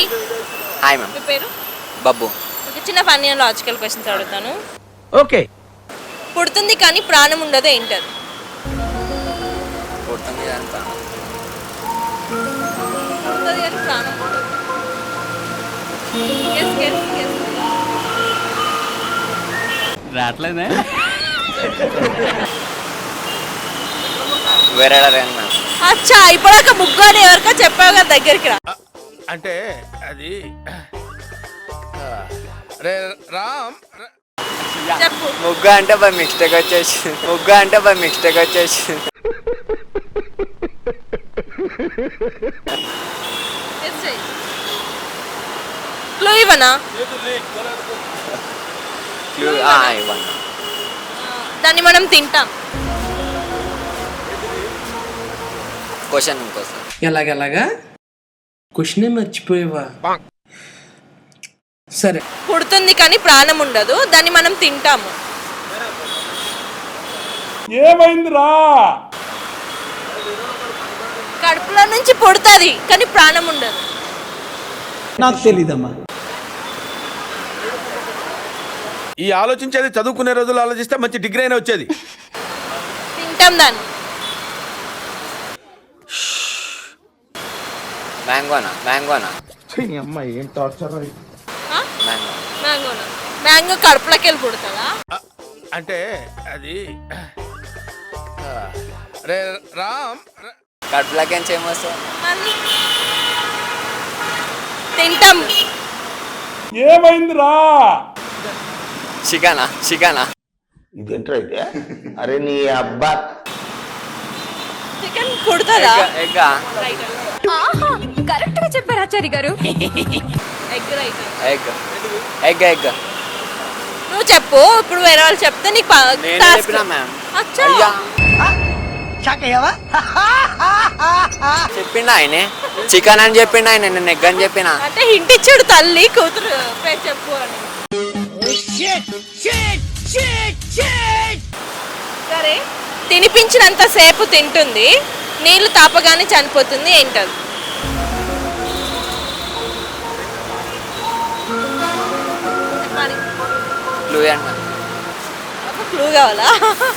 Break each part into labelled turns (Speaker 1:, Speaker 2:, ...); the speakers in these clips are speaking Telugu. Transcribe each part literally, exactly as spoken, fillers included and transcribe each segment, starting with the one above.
Speaker 1: హాయ్.
Speaker 2: Hi ma'am.
Speaker 1: మీ పేరు?
Speaker 2: బబ్బు.
Speaker 1: ఒక చిన్న ఫన్నీ అండ్ లాజికల్ క్వశ్చన్స్ అడుగుతాను.
Speaker 3: ఓకే.
Speaker 1: పుడుతుంది కానీ ప్రాణం ఉండదు, ఏంటది?
Speaker 2: పుడుతుంది కానీ ప్రాణం.
Speaker 1: పుడుతుంది కానీ ప్రాణం ఉండదు. Guess, guess, guess.
Speaker 3: రావట్లేదే.
Speaker 2: వేరే మ్యామ్.
Speaker 1: అచ్చా, ఇప్పుడాక ముగ్గు అని ఎవరికో చెప్పావు కదా, దగ్గరికి రా.
Speaker 4: అంటే అది రే రామ్
Speaker 1: చెప్పు.
Speaker 2: ముగ్గు అంటే బై మిస్టేక్ వచ్చేసి ముగ్గు అంటే బై మిస్టేక్ వచ్చేసి
Speaker 1: Guess చెయ్యి. క్లూ ఇవ్వనా?
Speaker 2: ఇవ్వండి.
Speaker 1: దాన్ని మనం తింటాం.
Speaker 2: క్వశ్చన్ ఇంకోసారి.
Speaker 3: ఎలాగెలాగా క్వశ్చనే మర్చిపోయేవా? సరే.
Speaker 1: పుడుతుంది కానీ ప్రాణం ఉండదు, దాన్ని మనం తింటాము.
Speaker 4: ఏమైందిరా?
Speaker 1: కడుపులో నుంచి పుడుతుంది కానీ ప్రాణం ఉండదు.
Speaker 5: నాకు తెలీదమ్మా.
Speaker 4: ఈ ఆలోచించేది చదువుకునే రోజులు ఆలోచిస్తే మంచి డిగ్రీ అయినా వచ్చేది.
Speaker 1: తింటాం దాన్ని.
Speaker 2: మ్యాంగోనా? మ్యాంగోనా?
Speaker 5: అమ్మాయి ఏం టార్చర్.
Speaker 1: ఆ?
Speaker 2: మ్యాంగో.
Speaker 1: మ్యాంగోనా? మ్యాంగో కడుపులోకి వెళ్ళి పుడుతుందా?
Speaker 4: అంటే అది రే రామ్
Speaker 2: కడుపులోకి ఏం చేయమొస్తుంది?
Speaker 1: మళ్ళీ తింటాం.
Speaker 4: ఏమైందిరా?
Speaker 2: చికెనా? చికెనా?
Speaker 5: ఇదేంట్రా అయితే? అరే నీ అబ్బా.
Speaker 1: చికెన్ పుడుతుందా?
Speaker 2: ఎగ్.
Speaker 6: కరెక్ట్ గా చెప్పారు Achari garu.
Speaker 1: Egg right.
Speaker 2: Egg. Egg egg.
Speaker 1: నువ్వు చెప్పు, ఇప్పుడు వేరే వాళ్ళు చెప్తే నీకు ప-
Speaker 2: నేను
Speaker 1: task.
Speaker 2: చెప్పినా మ్యామ్.
Speaker 1: అచ్చా.
Speaker 2: అయ్యా చెప్పిండా ఆయనే చికెన్ అని చెప్పిండా ఆయన, నేను ఎగ్ అని చెప్పిన.
Speaker 1: అంటే హింట్ ఇచ్చాడు తల్లి కూతురు పేరు చెప్పు అని. సరే, తినిపించినంత సేపు తింటుంది, నీళ్లు తాపగానే చనిపోతుంది, ఏంటది? చెప్పాలి.
Speaker 2: క్లూ అన్న.
Speaker 1: ఒక క్లూ కావాలా?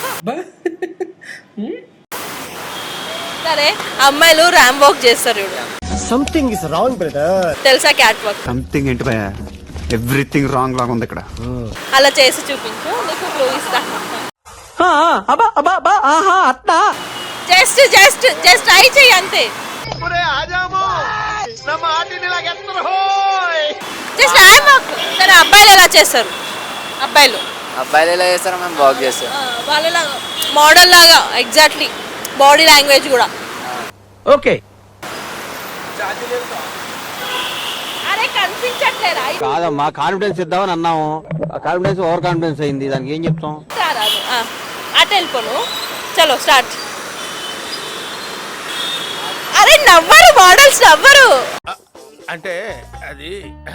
Speaker 1: సరే, అమ్మాయిలు ర్యాంప్ వాక్ చేస్తారు చూడు.
Speaker 5: Something is wrong brother.
Speaker 1: తెలుసా క్యాట్ వాక్?
Speaker 7: సంథింగ్ ఏంటి భయ, ఎవ్రీథింగ్ రాంగ్ లాగా ఉంది ఇక్కడ.
Speaker 1: అలా చేసి చూపించు, నీకు క్లూ ఇస్తా. జస్ట్ జస్ట్ జస్ట్ ట్రై చెయ్యి అంతే. Just ramp walk. సరే, అబ్బాయిలు ఎలా చేస్తారు? అబ్బాయిలు
Speaker 2: అబ్బాయిలు ఎలా చేస్తారో మేము వాక్ చేస్తాం.
Speaker 1: వాళ్ళలాగా మోడల్ లాగా ఎగ్జాక్ట్లీ, బాడీ లాంగ్వేజ్ కూడా.
Speaker 3: ఓకే.
Speaker 1: అరే కనిపించట్లేరా?
Speaker 8: కాదమ్మా, కాన్ఫిడెన్స్ ఇద్దామని అన్నాము, కాన్ఫిడెన్స్ ఓవర్ కాన్ఫిడెన్స్ అయింది, దానికి ఏం చెప్తాం?
Speaker 1: రాదు. అటు వెళ్ళిపోను. చలో స్టార్ట్. అరే నవ్వరు, మోడల్స్ నవ్వరు.
Speaker 4: అంటే అది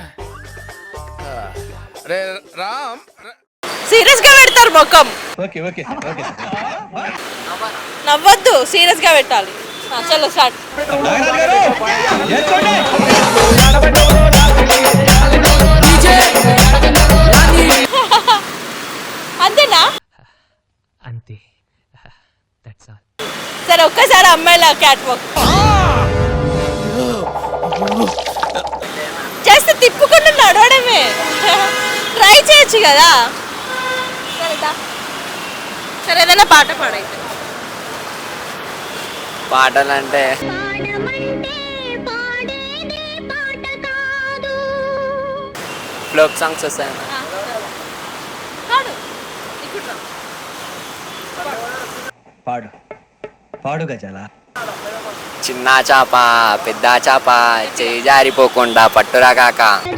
Speaker 4: రే రామ్
Speaker 1: సీరియస్ గా పెడతారు ముఖం.
Speaker 3: Okay okay okay.
Speaker 1: నవ్వద్దు, సీరియస్ గా పెట్టాలి. ఆ, చలో స్టార్ట్. అంతేనా?
Speaker 9: అంతే. That's all.
Speaker 1: సరే, ఒక్కసారి అమ్మాయిల క్యాట్ వాక్ చేస్తే తిప్పుకుండా నడవడమే. ట్రై చేయొచ్చు కదా. సరేదా? సరే, ఏదైనా పాట పాడైతే.
Speaker 2: పాటలు అంటే ఫ్లోక్ సాంగ్స్ వస్తాయి.
Speaker 1: పాడు. ఇక్కడ రా.
Speaker 9: పాడు పాడు గజాల.
Speaker 2: చిన్న చాప పెద్ద చాప చేయి జారిపోకుండా పట్టురా కాక.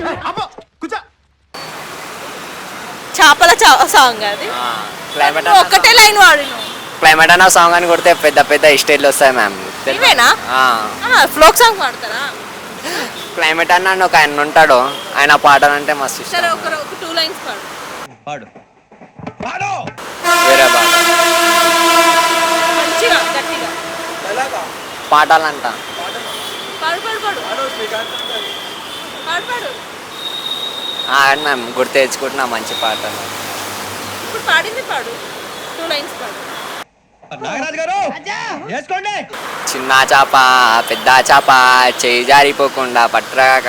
Speaker 1: చేపల సాంగ్ అది.
Speaker 2: క్లైమేట్
Speaker 1: ఒక్కటే లైన్ వాడిను.
Speaker 2: క్లైమేట్ అన్న సాంగ్ అని కొడితే పెద్ద పెద్ద స్టేట్లు వస్తాయి మ్యామ్.
Speaker 1: ఇవేనా? ఫ్లోక్ సాంగ్ పాడతారా?
Speaker 2: క్లైమేట్ అన్న అని ఒక ఆయన ఉంటాడు, ఆయన పాటలు అంటే మస్తు ఇష్టం.
Speaker 1: సరే, ఒక ఒక టూ లైన్స్ పాడు.
Speaker 9: పాడు
Speaker 2: వేరే పాట
Speaker 1: మంచిగా గట్టిగా
Speaker 2: పాటలు అంట.
Speaker 1: పాడు పాడు పాడు. పాడు పాడు
Speaker 2: ఆడ మ్యామ్ గుర్తు తెచ్చుకుంటున్నా మంచి పాట
Speaker 1: ఇప్పుడు పాడింది పాడు టూ లైన్స్ పాడు
Speaker 9: నాగరాజు గారు వేసుకోండి.
Speaker 2: చిన్న చాప పెద్ద చాప చేయి జారిపోకుండా పట్టరాక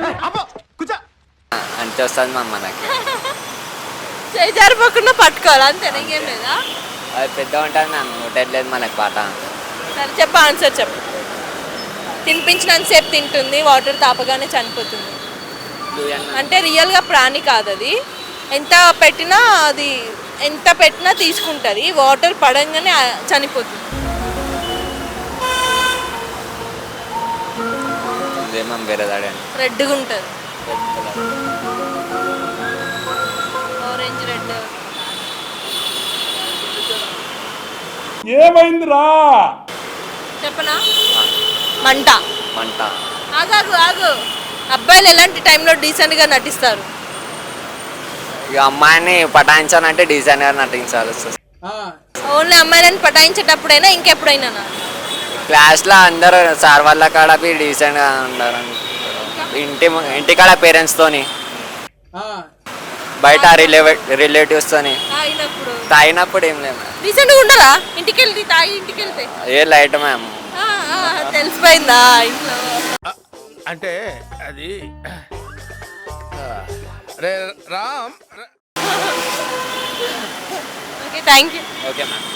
Speaker 2: అంతే వస్తుంది మ్యామ్ మనకి.
Speaker 1: చేయి జారిపోకుండా పట్టుకోవాలి అంతేనా ఇంకేం లేదా?
Speaker 2: అది పెద్ద ఉంటుంది మ్యామ్ నోటెట్లేదు మనకి పాట.
Speaker 1: సరే చెప్పు ఆన్సర్ చెప్పు. తినిపించినంతసేపు తింటుంది, వాటర్ తాపగానే చనిపోతుంది. అంటే రియల్గా ప్రాణి కాదు అది. ఎంత పెట్టినా అది ఎంత పెట్టినా తీసుకుంటుంది, వాటర్ పడంగానే ఆ- చనిపోతుంది.
Speaker 2: ఇదే మ్యామ్ వేరే దాడండి.
Speaker 1: రెడ్గా ఉంటుంది, ఆరెంజ్ రెడ్.
Speaker 4: ఏమైందిరా?
Speaker 1: చెప్పనా? మంట.
Speaker 2: మంట.
Speaker 1: ఆగాగు ఆగు. అబ్బాయిలు ఎలాంటి టైంలో డీసెంట్గా నటిస్తారు?
Speaker 2: ఇక అమ్మాయిని పటాయించాలంటే డిజైనర్ గా నటించాలి వస్తుంది.
Speaker 1: ఓన్లీ అమ్మాయిలను పటాయించేటప్పుడైనా ఇంకెప్పుడైనా?
Speaker 2: క్లాస్లో అందరూ సార్ వాళ్ళ కాడ డీసెంట్గా ఉంటారు. ఇంటి ఇంటి కాడ పేరెంట్స్తోని, బయట రిలేవ్ రిలేటివ్స్తోని
Speaker 1: తాగినప్పుడు
Speaker 2: తాగినప్పుడు ఏం లేదు.
Speaker 1: డీసెంట్గా ఉండరా? ఇంటికి వెళ్తే తాగి ఇంటికి వెళ్తే
Speaker 2: ఏ లైట్ మ్యామ్.
Speaker 1: ఆ, ఆ, తెలిసిపోయిందా ఇంట్లో?
Speaker 4: అంటే అది రే రామ్ ర-
Speaker 1: okay thank you.
Speaker 2: Okay ma'am.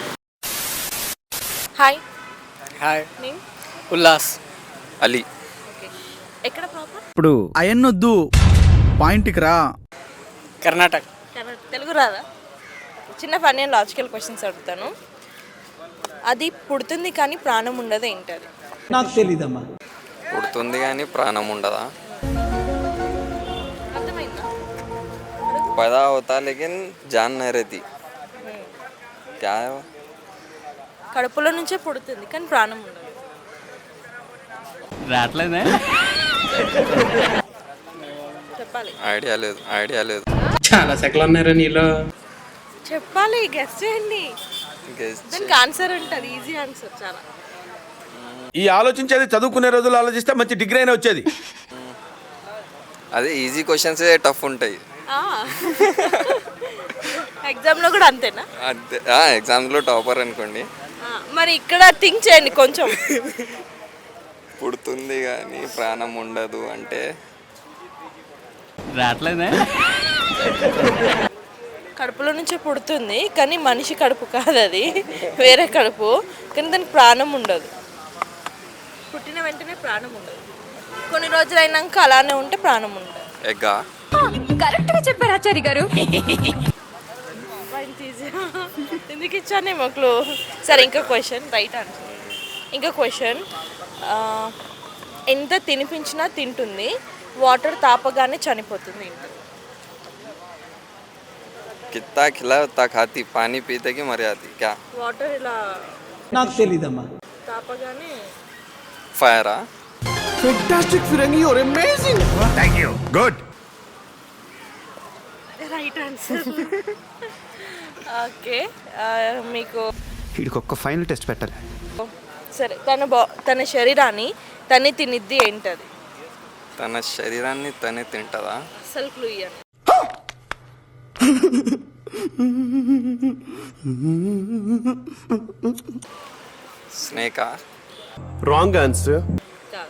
Speaker 1: Hi
Speaker 3: hi.
Speaker 1: నేను
Speaker 3: ఉల్లాస్.
Speaker 2: అలీ.
Speaker 1: ఓకే. ఎక్కడ ప్రాపర్?
Speaker 7: ఇప్పుడు అయన్నొద్దు పాయింట్కి రా.
Speaker 3: కర్ణాటక.
Speaker 1: తెలుగు రాదా? చిన్న ఫన్నీ అండ్ లాజికల్ క్వశ్చన్స్ అడుగుతాను. అది పుడుతుంది కానీ ప్రాణం ఉండదు ఏంటది?
Speaker 5: నాకు తెలీదమ్మా.
Speaker 2: పుడుతుంది కానీ ప్రాణం ఉండదా?
Speaker 1: అర్థమైందా?
Speaker 2: पैदा होता लेकिन जान नहीं रहती. क्या है वो?
Speaker 1: కడుపులో నుంచే పుడుతుంది కానీ ప్రాణం ఉండదు.
Speaker 3: రావట్లేదే.
Speaker 1: చెప్పాలి.
Speaker 2: ఐడియా లేదు ఐడియా లేదు.
Speaker 3: చాలా సెకలు ఉన్నారా నీలో?
Speaker 1: చెప్పాలి, గెస్ చేయండి. దానికి ఆన్సర్ ఉంటుంది, ఈజీ ఆన్సర్ చాలా.
Speaker 4: ఈ ఆలోచించేది చదువుకునే రోజులు ఆలోచిస్తే మంచి డిగ్రీ అయినా వచ్చేది.
Speaker 2: అదే ఈజీ క్వశ్చన్స్ టఫ్ ఉంటాయి.
Speaker 1: ఎగ్జామ్లో కూడా అంతేనా?
Speaker 2: అంతే. ఎగ్జామ్స్లో టాపర్ అనుకోండి.
Speaker 1: ఆ, మరి ఇక్కడ థింక్ చేయండి కొంచెం.
Speaker 2: పుడుతుంది కానీ ప్రాణం ఉండదు అంటే
Speaker 3: రావట్లేదే.
Speaker 1: కడుపులో నుంచే పుడుతుంది కానీ మనిషి కడుపు కాదు, అది వేరే కడుపు, కానీ దానికి ప్రాణం ఉండదు. పుట్టిన వెంటనే ప్రాణం ఉండదు, కొన్ని రోజులు అయినాక అలానే ఉంటే ప్రాణం ఉండదు.
Speaker 2: ఎగ్గా.
Speaker 6: కరెక్ట్గా చెప్పారు ఆచారి గారు.
Speaker 1: ఎందుకు ఇచ్చానే మొక్కలు. సరే ఇంకో క్వశ్చన్, రైట్ ఆన్సర్. ఇంకో క్వశ్చన్, ఎంత తినిపించినా తింటుంది, వాటర్ తాపగానే చనిపోతుంది ఏంటి?
Speaker 2: कितना खिला उतना खाती पानी पीते कि मर जाती क्या?
Speaker 1: వాటర్ ఇలా
Speaker 5: నాకు తెలీదమ్మా.
Speaker 1: తాపగానే
Speaker 2: फायरा.
Speaker 5: ఫెంటాస్టిక్ ఫిరంగి, your amazing.
Speaker 7: Thank you. Good.
Speaker 1: Right answer. Okay, మీకు
Speaker 7: వీడికి ఒక్క ఫైనల్ టెస్ట్ పెట్టాలి.
Speaker 1: సరే, తన బా తన శరీరాన్ని తనే తినిద్ది ఏంటది?
Speaker 2: తన శరీరాన్ని తనే తింటదా?
Speaker 1: అసలు క్లూ ఇయ్యండి.
Speaker 2: స్నేకా?
Speaker 5: Wrong answer.
Speaker 1: కాదు.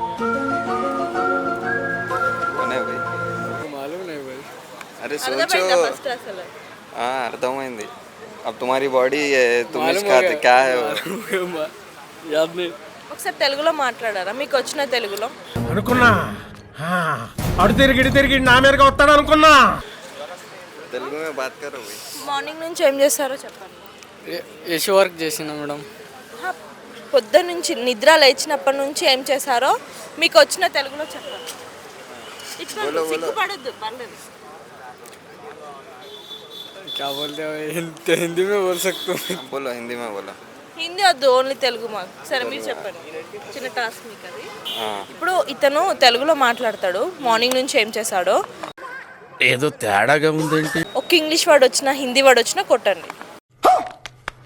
Speaker 2: కొనే భయ్. అరే
Speaker 1: అర్థమైందా
Speaker 2: सोचो.
Speaker 1: ఫస్ట్ అసలు?
Speaker 2: हाँ అర్థమైంది. अब तुम्हारी बॉडी तुम इसका खाते क्या है वो?
Speaker 1: ఒకసారి తెలుగులో మాట్లాడారా, మీకు వచ్చిన తెలుగులో?
Speaker 5: అనుకున్నా అడు తిరిగి ఇటు తిరిగి నా మీదగా వస్తాడు అనుకున్నా.
Speaker 2: తెలుగు में बात करो भाई.
Speaker 1: మార్నింగ్ నుంచి ఏం చేస్తారో చెప్పండి.
Speaker 3: యశో వర్క్ చేసిన మేడం.
Speaker 1: ఆహా, పొద్దున్న నుంచి నిద్ర లేచినప్పటి నుంచి ఏం చేశారో మీకు వచ్చిన తెలుగులో చెప్పండి. ఇట్లా సిగ్గుపడొద్దు, పర్లేదు.
Speaker 3: क्या बोलते हो? हिंदी में बोल सकते हो?
Speaker 2: बोलो हिंदी में बोलो.
Speaker 1: హిందీ వద్దు, ఓన్లీ తెలుగు మాకు. సరే మీరు చెప్పండి, చిన్న టాస్క్ మీకు అది.
Speaker 2: हाँ.
Speaker 1: ఇప్పుడు ఇతను తెలుగులో మాట్లాడతాడు, మార్నింగ్ నుంచి ఏం చేశాడో.
Speaker 4: ఏదో తేడాగా ఉందేంటి?
Speaker 1: ఒక ఇంగ్లీష్ వర్డ్ వచ్చినా హిందీ వర్డ్ వచ్చినా కొట్టండి.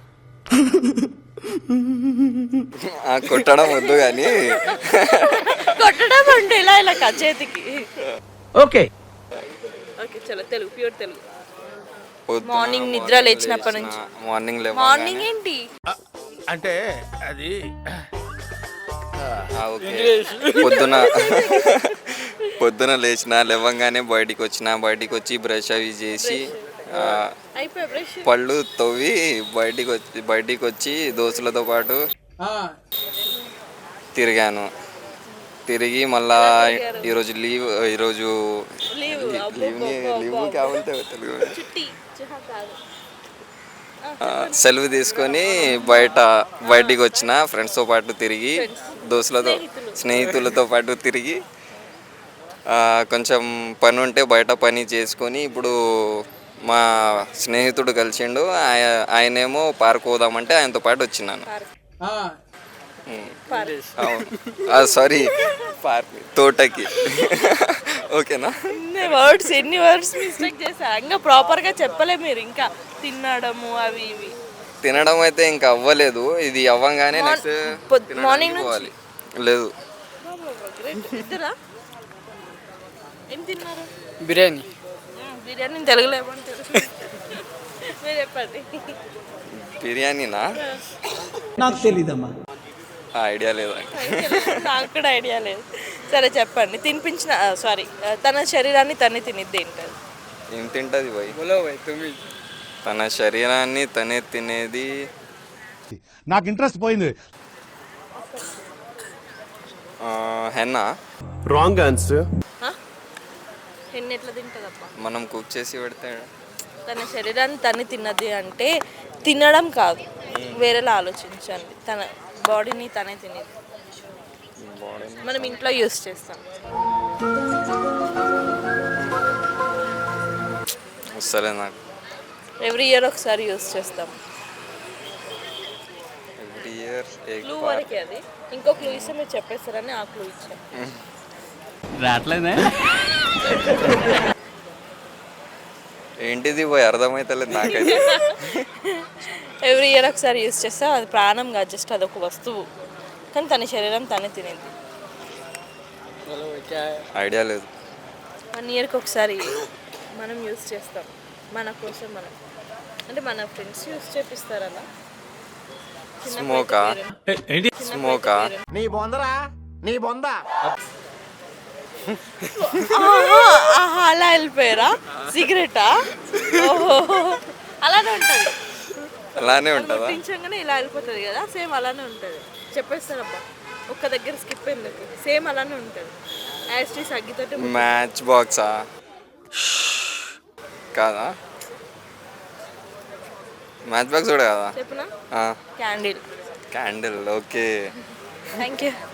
Speaker 2: కొట్టడం వద్దు కానీ
Speaker 1: కొట్టడం అంటే ఇలా ఇలా కా చేతికి.
Speaker 5: ఓకే
Speaker 1: ఓకే చలో తెలుగు, ప్యూర్ తెలుగు. మార్నింగ్ నిద్ర లేచినప్పటి నుంచి.
Speaker 2: మార్నింగ్
Speaker 1: మార్నింగ్ ఏంటి?
Speaker 4: అంటే అది
Speaker 2: పొద్దున పొద్దున లేచిన లేవంగానే బయటికి వచ్చిన బయటికి వచ్చి బ్రష్ అవి చేసి ఆ,
Speaker 1: అయిపోయి బ్రష్.
Speaker 2: పళ్ళు తవ్వి బయటికి వచ్చి బయటికి వచ్చి దోస్తులతో పాటు తిరిగాను. తిరిగి మళ్ళా ఈరోజు లీవ్ ఈరోజు
Speaker 1: లీవ్
Speaker 2: లీవ్ని లీవ్ కావాలంటే తెలుగు
Speaker 1: చుట్టి చుహా కాదు.
Speaker 2: సెలవు తీసుకొని బయట బయటికి వచ్చిన ఫ్రెండ్స్తో పాటు తిరిగి దోస్తులతో స్నేహితులతో పాటు తిరిగి ఆ, కొంచెం పని ఉంటే బయట పని చేసుకొని ఇప్పుడు మా స్నేహితుడు కలిసిండు. ఆయ- ఆయనేమో పార్క్ పోదామంటే ఆయనతో పాటు వచ్చినాను. సారీ పార్క్ తోటకి. ఓకేనా?
Speaker 1: వర్డ్స్ ఎన్ని వర్డ్స్ మిస్టేక్ చేశా, ఇంకా ప్రాపర్గా చెప్పలే మీరు. ఇంకా తినడము అవి ఇవి.
Speaker 2: తినడం అయితే ఇంకా అవ్వలేదు. ఇది అవ్వంగానే నెక్స్ట్
Speaker 1: పొద్- మార్నింగ్ నుంచి?
Speaker 2: పోవాలి. లేదు
Speaker 1: ఇద్దరా? ఏం తిన్నారు?
Speaker 3: బిర్యానీ.
Speaker 1: మ్మ్, బిర్యానీ తెలుగులో ఏమంటారు? మీరు చెప్పండి.
Speaker 2: బిర్యానీనా?
Speaker 9: నాకు తెలీదమ్మా.
Speaker 2: ఐడియా లేదా?
Speaker 1: నాకు కూడా ఐడియా లేదు. సరే చెప్పండి. తినిపించిన సారీ తన శరీరాన్ని తనే తినిద్ది ఏంటది?
Speaker 2: ఏం తింటది పోయి?
Speaker 3: बोलो भाई तुम ही.
Speaker 2: తన శరీరాన్ని తనే తినేది
Speaker 5: నాకు ఇంట్రెస్ట్ పోయింది.
Speaker 2: ఆ, హెన్నా.
Speaker 5: Wrong answer.
Speaker 1: ఎన్ని ఎట్లా తింటుందప్పా?
Speaker 2: మనం కుక్ చేసి పెడితే
Speaker 1: తన శరీరాన్ని తనే తిన్నది అంటే తినడం కాదు, వేరేలా ఆలోచించండి. తన బాడీని తనే తినేది. మనం ఇంట్లో యూస్ చేస్తాం.
Speaker 2: వస్తలే నాకు.
Speaker 1: ఎవ్రీ ఇయర్ ఒకసారి యూస్ చేస్తాం.
Speaker 2: ఎవ్రీ ఇయర్
Speaker 1: క్లూ వరకే అది. ఇంకో క్లూ ఇస్తే మీరు చెప్పేస్తారని ఆ క్లూ ఇచ్చాను.
Speaker 8: రావట్లేదే.
Speaker 2: ఏంటిది పోయి అర్థమైతలేదు నాకైతే.
Speaker 1: ఎవ్రీ ఇయర్ ఒకసారి యూస్ చేస్తాం. అది ప్రాణం కాదు, జస్ట్ అదొక వస్తువు, కానీ తన శరీరం తనే తినేది.
Speaker 3: बोलो भाई क्या है?
Speaker 2: ఐడియా లేదు.
Speaker 1: వన్ ఇయర్కి ఒకసారి మనం యూస్ చేస్తాం మన కోసం. మనం అంటే మన ఫ్రెండ్స్ యూస్ చేపిస్తారు అలా.
Speaker 2: స్మోకా? స్మోకా?
Speaker 5: నీ బొందరా నీ బొంద.
Speaker 1: ఆహా, అలా వెళ్ళిపోయారా? సిగరెటా? ఓహో, అలానే ఉంటుంది.
Speaker 2: అలానే ఉంటుందా?
Speaker 1: ముట్టించగానే ఇలా వెళ్ళిపోతుంది కదా, సేమ్ అలానే ఉంటుంది. చెప్పేస్తారబ్బా, ఒక్క దగ్గర స్కిప్ ఎందుకు, సేమ్ అలానే ఉంటుంది. యాస్ట్రీస్ అగ్గితోటి.
Speaker 2: మ్యాచ్ బాక్సా? కాదా? మ్యాచ్ బాక్స్ కూడా కదా?
Speaker 1: చెప్పనా?
Speaker 2: ఆ,
Speaker 1: candle.
Speaker 2: Candle. Okay.
Speaker 1: Thank you.